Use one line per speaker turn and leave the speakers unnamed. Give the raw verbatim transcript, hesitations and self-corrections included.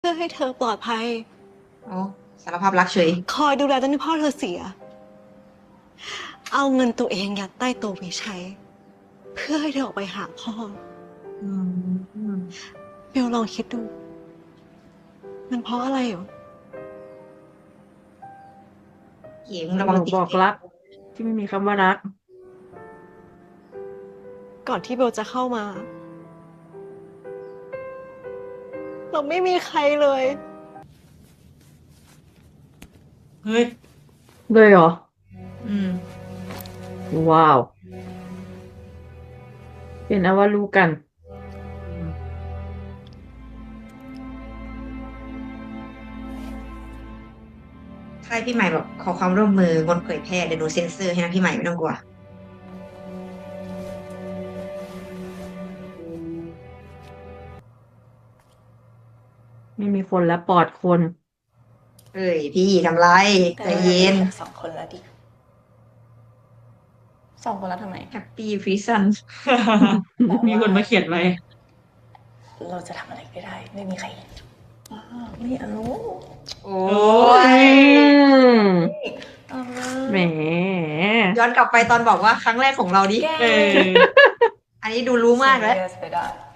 พื่อให้เธอปลอดภัย
โอ้สารภาพรักเฉย
คอยดูแลจนที่พ่อเธอเสีย เอาเงินตัวเองยัดใต้โต๊ะไว้ใช้ เพื่อให้เธอออกไปหาพ่อ
อืม
เบลลองคิดดู มันเพราะอะไรเหรอ
เก๋มึงระวัง
หนู
ติด
บอกรัก ที่ไม่มีคำว่ารัก
ก่อนที่เบลจะเข้ามา เราไม่มีใครเลย
เฮ้ย
เลยเหรอ
อืม
ว้าว เป็นเอาว่ารู้กัน
ถ้าพี่ใหม่แบบขอความร่วมมืองดเผยแพร่เดี๋ยวหนูเซ็นเซอร์ให้นะพี่ใหม่ไม่ต้องกลัว
ไม่มีคนและปลอดคน
เอ้ยพี่ทำไรใจเย็น
สองคนแล้วดิสองคนแล้วทำไม
แฮปปี้ฟรีซัน
มีคนมาเขียนไว้
เราจะทำอะไรก็ได้ ไม่มีใครเห็นอ้าวไม่เอา
โอ้
โอ้
ย
ย
เอา
แหม
ย้อนกลับไปตอนบอกว่าครั้งแรกของเราดิ
แก
เออ
อันนี้ดูรู้มากแล้ว
serious ไปได้